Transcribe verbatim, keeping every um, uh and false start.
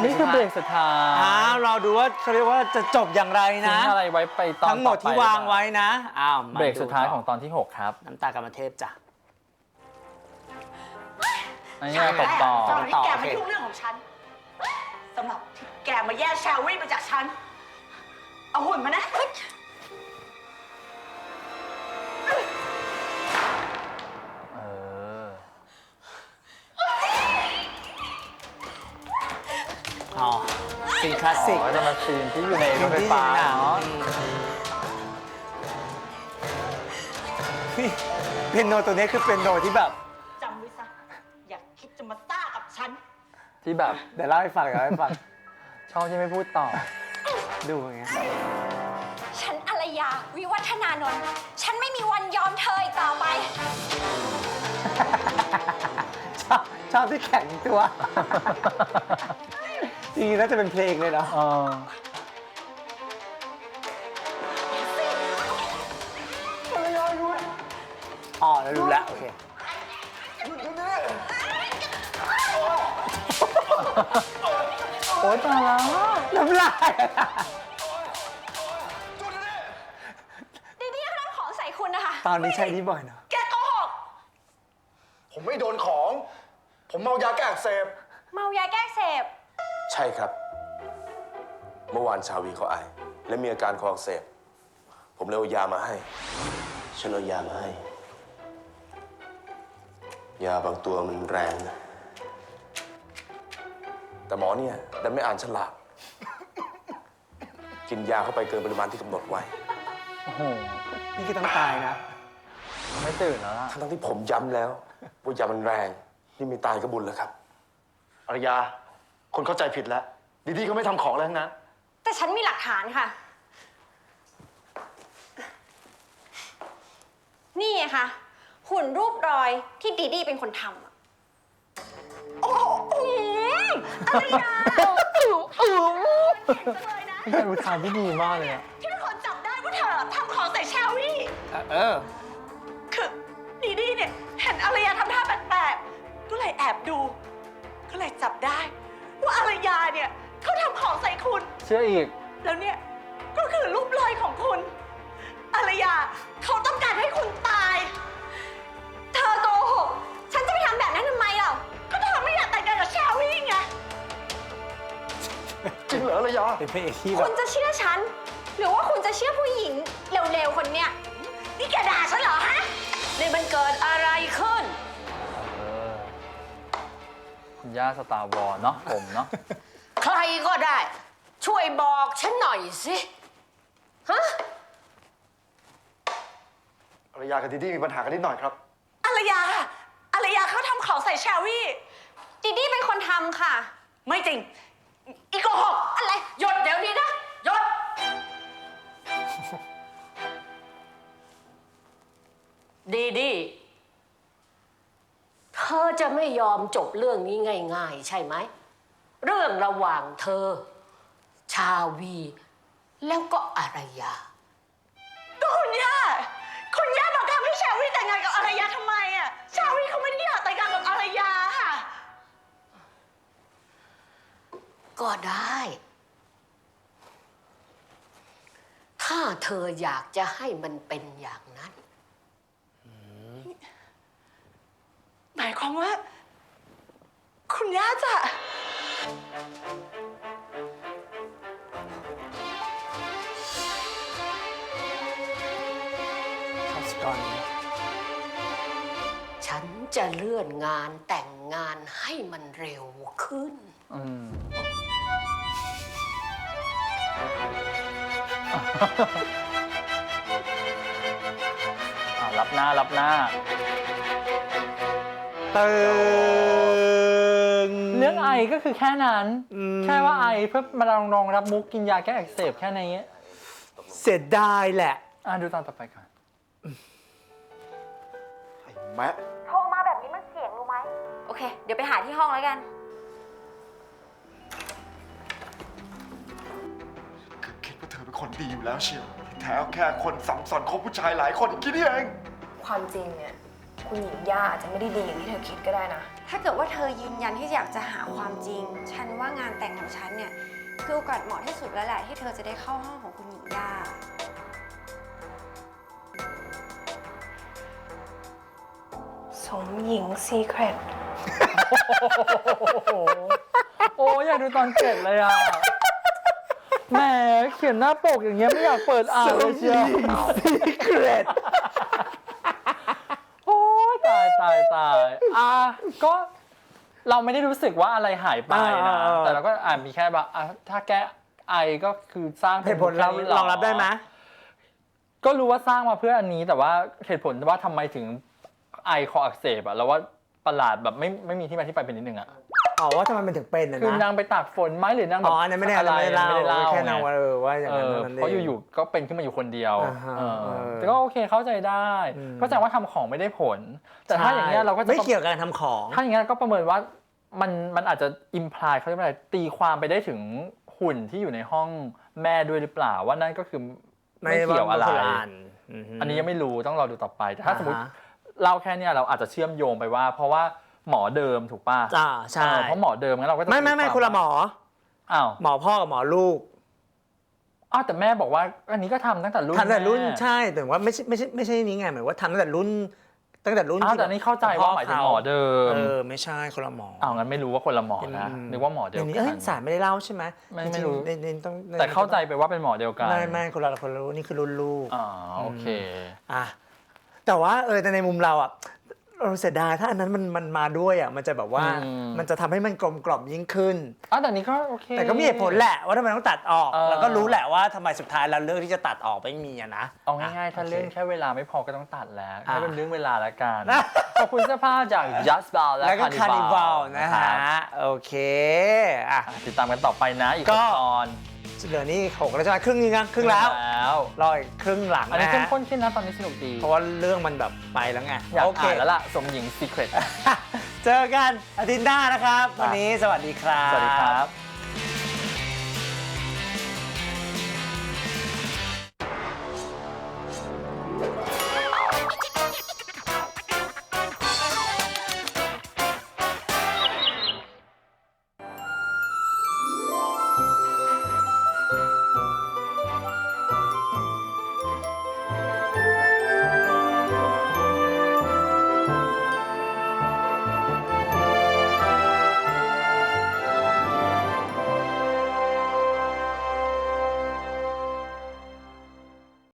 นี่คือเบรกสุดท้ายอ้าวเราดูว่าเขาเรียกว่าจะจบอย่างไรนะทิ้งอะไรไว้ไปตอนทั้งหมดที่วางไว้นะอ้าวเบรกสุดท้ายของตอนที่หกครับน้ำตากรรมเทพจ้ะอันนี้ตบต่อสำหรับที่แกมายุ่งเรื่องของฉันสำหรับที่แกมาแย่งแชร์รี่ไปจากฉันเอาหุ่นมานะเอออ๋อซีนคลาสสิกอ๋อจะมาซีนที่อยู่ในรถไฟฟ้าเนาะนี่เปียโนตัวนี้คือเปียโนที่แบบจำไว้ซะอย่าคิดจะมาซ่ากับฉันที่แบบเดี๋ยวเล่าให้ฟังเดี๋ยวเล่าให้ฟังชอบที่ไม่พูดต่อดูอย่างเงี้ยฉันอารยาวิวัฒนานนท์ฉันไม่มีวันยอมเธออีกต่อไปชอบชอบที่แข็งตัว จริงๆน่าจะเป็นเพลงเลยเนาะเอออ๋อแล้วรู้แล้วโอเคโอ๊ยตายแล้วน้ำลายดีดีเขาทำของใส่คุณนะคะตอนนี้ใช้นี่บ่อยเนาะแกโกหกผมไม่โดนของ ผมเมายาแก้อักเสบเมายาแก้เสพใช่ครับ เมื่อวานชาวีเขาไอและมีอาการคออักเสบผมเลยเอายามาให้ ฉันเอายามาให้ ยาบางตัวมันแรงนะแต่หมอเนี่ยดันไม่อ่านฉลากกินยาเข้าไปเกินปริมาณที่กำหนดไว้โอ้โหนี่คือต้องตายนะไม่ตื่นแล้วล่ะทั้งที่ผมย้ำแล้วว่ายามันแรงนี่มีตายก็บุญแล้วครับอารยา คนเข้าใจผิดแล้ว ดีๆเขาไม่ทำของอะไรทั้งนั้นแต่ฉันมีหลักฐานค่ะ นี่ไงคะหุ่นรูปรอยที่ดีดีเป็นคนทำอะโอ้โหอารยาเก่งจังเลยนะเป็นการอุทานที่ดีมากเลยอะที่เป็นคนจับได้ว่าเธอทำของใส่แชร์รี่เออคือดีดีเนี่ยเห็นอารยาทำท่าแปลกๆก็เลยแอบดู ก็เลยจับได้ ว่าอารยาเนี่ยเขาทำของใส่คุณเชื่ออีกแล้วเนี่ยก็คือรูปรอยของคุณอารยาเขาต้องการให้คุณตายเธอโกหก ฉันจะไปทำแบบนั้นทำไมเล่าก็เธอไม่อยากแต่งงานกับแชร์รี่ไงจริงเหรออารยาเป็นเพลงที่แบคุบณจะเชื่อฉัน หรือว่าคุณจะเชื่อผู้หญิงเร็วๆคนเนี้ยนี่แกด่าฉันเหรอฮะนี่มันเกิดอะไรขึ้นเออ คุณย่าสตาร์วอร์เนาะผมเนาะใครก็ได้ ช่วยบอกฉันหน่อยสิฮะอารยากับดีๆมีปัญหากันนิดหน่อยครับอารยาอารยาเขาทำของใส่แชร์รี่ดีดีเป็นคนทำค่ะไม่จริง อีโกหกอะไรหยุดเดี๋ยวนี้นะหยุด ดีดีเธอจะไม่ยอมจบเรื่องนี้ง่ายๆ ใช่ไหม เรื่องระหว่างเธอ ชาวี แล้วก็อารยาก็คุณย่าคุณย่าบังคับให้แชร์รี่แต่งงานกับอารยาทำไมอ่ะแชร์รี่เขาไม่ได้อยากแต่งงานกับอารยาค่ะก็ได้ ถ้าเธออยากจะให้มันเป็นอย่างนั้นหมายความว่า คุณย่าจะชอบสกอร์นี้ฉันจะเลื่อนงานแต่งงานให้มันเร็วขึ้นอืม อ่ะรับหน้ารับหน้าตึงเรื่องไอก็คือแค่นั้นอืมแค่ว่าไอเพื่อมาลองรองรับมุกกินยาแก้อักเสบแค่นี้เสียดายแหละอ่ะดูตอนต่อไปก่อนไอ้แมะโทรมาแบบนี้มันเสี่ยงรู้ไหม โอเค เดี๋ยวไปหาที่ห้องแล้วกันคือคิดว่าเธอเป็นคนดีอยู่แล้วเชียวที่แท้แค่คนสัมสอนคบผู้ชายหลายคนอย่างนี้นี่เองความจริงเนี่ยคุณหญิงย่าอาจจะไม่ได้ดีอย่างที่เธอคิดก็ได้นะเธถ้าเกิดว่าเธอยืนยันที่อยากจะหาความจริง ฉันว่างานแต่งของฉันเนี่ยคือโอกาสเหมาะที่สุดแล้วแหละที่เธอจะได้เข้าห้องของคุณหญิงย่า สมหญิงซีเครตโอ้อยากดูตอนเจ็ดเลยอ่ะแหมเขียนหน้าปกอย่างเงี้ยไม่อยากเปิดอ่านเลยเชียวซีเครตโอ้ยตายตายตายอ่ะก็เราไม่ได้รู้สึกว่าอะไรหายไปนะอ่าแต่เราก็อ่านมีแค่แบบอ่ะถ้าแก้ไอก็คือสร้างเหตุผลเราแค่นี้หรองรับได้ไหมก็รู้ว่าสร้างมาเพื่ออันนี้แต่ว่าเหตุผลว่าทำไมถึงไอคออักเสบอะเราว่าประหลาดแบบไม่ไม่มีที่มาที่ไปเป็นนิดนึงอะอ๋อว่าทำไมมันถึงเป็นนะคือนางไปตากฝนไหมหรือนางแบอ๋บออันนั้นไม่ได้อะไรไม่ได้เล่าไม่ได้เล่าแค่นางไงว่าเออว่าอย่างเอนั้นอนั่นเองเพราะอยู่ๆก็เป็นขึ้นมาอยู่คนเดียวอ่าฮะเออเออแต่ก็โอเคเข้าใจได้อืมก็แสดงว่าทำของไม่ได้ผล แต่ถ้าอย่างเงี้ยเราก็จะไม่เกี่ยวกับการทำของถ้าอย่างเงี้ยก็ประเมินว่ามันมันอาจจะอิมพลายเขาเรียกว่าอะไรตีความไปได้ถึงหุ่นที่อยู่ในห้องแม่ด้วยหรือเปล่าว่านั่นก็คือไม่เกี่ยวอะไร อันนี้ยังไม่รู้ต้องรอดูต่อไปแต่ถ้าสมมติเล่าแค่เนี้ยเราอาจจะเชื่อมโยงไปว่า เพราะว่าหมอเดิมถูกป่ะอ่าใช่เออเพราะหมอเดิมงั้นเราก็จะไม่ไม่ไม่ตีวาคนละหมออ้าวหมอพ่อกับหมอลูกอ้าวแต่แม่บอกว่าอันนี้ก็ทำตั้งแต่รุ่นทำแต่รุ่นแม่ใช่แต่ว่าไม่ใช่ไม่ใช่ไม่ใช่นี้ไงหมายว่าทำตั้งแต่รุ่นตั้งแต่รุ่นอ้าวที่แต่นี่เข้าใจว่าหมายถึงหมอเดิมเออไม่ใช่คนละหมออ้าวงั้นไม่รู้ว่าคนละหมอนะอืมนึกว่าหมอเดียวอย่างนี้กัเอ้ยนสารไม่ได้เล่าใช่ไหมไม่จงๆไม่รู้ในในต้องแต่เข้าใจไปว่าเป็นหมอเดียวกันไม่ไม่คนละคนละรุ่นนี่คือรุ่นลูกอ๋อโอเคอ่ะแต่ว่าเออแต่ในมุมเราอ่ะเราเสียดายถ้าอันนั้นมันมันมาด้วยอ่ะมันจะแบบว่าอืมมันจะทำให้มันกลมกล่อมยิ่งขึ้นอ้าวแต่นี้ก็โอเคแต่ก็มีเหตุผลแหละว่าทำไมต้องตัดออกเออแล้วก็รู้แหละว่าทำไมสุดท้ายเราเลือกที่จะตัดออกไม่มีอะนะเอาง่ายๆ ถ้าโคเรื่องแค่เวลาไม่พอก็ต้องตัดแล้วอ่ะให้เป็นเรื่องเวลาละกัน ขอบคุณเสื้อผ้าจาก Just b a l และแล้วก็คานิวัล Carnival นะคฮะรับโอเคอ่ะติดตามกันต่อไปนะอีกก็ตอนเหลือนี่หกแล้วใช่ไหมครึ่งนึงนะครึ่งแล้วแล้วรออีกครึ่งหลังอันนี้นะเข้มฮะข้นขึ้นนะตอนนี้สนุกดีเพราะว่าเรื่องมันแบบไปแล้วไงอยากโอเคอ่านแล้วล่ะ สมหญิง Secret เจอกันอาทิตย์หน้านะครับ วันนี้สวัสดีครับสวัสดีครับ